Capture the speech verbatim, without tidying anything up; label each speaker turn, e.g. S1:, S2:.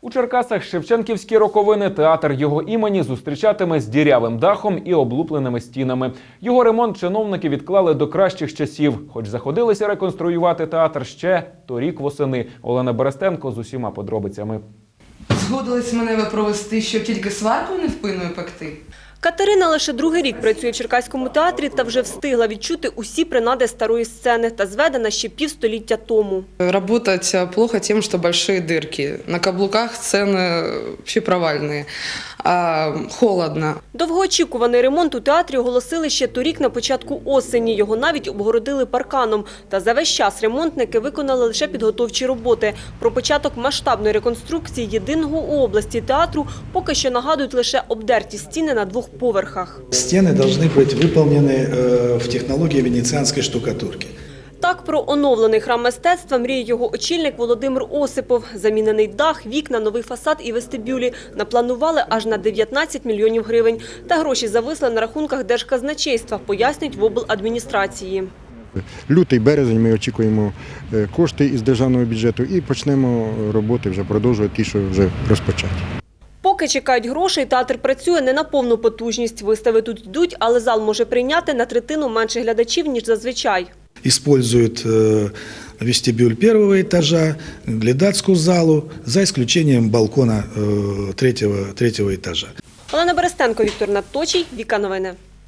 S1: У Черкасах Шевченківські роковини театр його імені зустрічатиме з дірявим дахом і облупленими стінами. Його ремонт чиновники відклали до кращих часів, хоч заходилися реконструювати театр ще торік восени. Олена Берестенко з усіма подробицями.
S2: Згодились мене ви провести, щоб тільки сваркою невпинною пекти?
S3: Катерина лише другий рік працює в Черкаському театрі та вже встигла відчути усі принади старої сцени та зведена ще півстоліття тому.
S2: Работать плохо тем, что большие дырки. На каблуках сцены вообще провальные. А, холодно.
S3: Довгоочікуваний ремонт у театрі оголосили ще торік на початку осені. Його навіть обгородили парканом. Та за весь час ремонтники виконали лише підготовчі роботи. Про початок масштабної реконструкції єдиного у області театру поки що нагадують лише обдерті стіни на двох поверхах.
S4: Стены должны быть выполнены в технологии венецианской штукатурки.
S3: Так про оновлений храм мистецтва мріє його очільник Володимир Осипов. Замінений дах, вікна, новий фасад і вестибюлі напланували аж на дев'ятнадцять мільйонів гривень. Та гроші зависли на рахунках Держказначейства, пояснюють в обладміністрації.
S5: Лютий, березень ми очікуємо кошти із державного бюджету і почнемо роботи, вже продовжувати ті, що вже розпочаті.
S3: Поки чекають грошей, театр працює не на повну потужність. Вистави тут йдуть, але зал може прийняти на третину менше глядачів, ніж зазвичай.
S4: Используют вестибюль первого этажа, глядацкую залу, за исключением балкона третьего, третьего этажа.
S3: Олена Берестенко, Віктор Надточий, Віка Новини.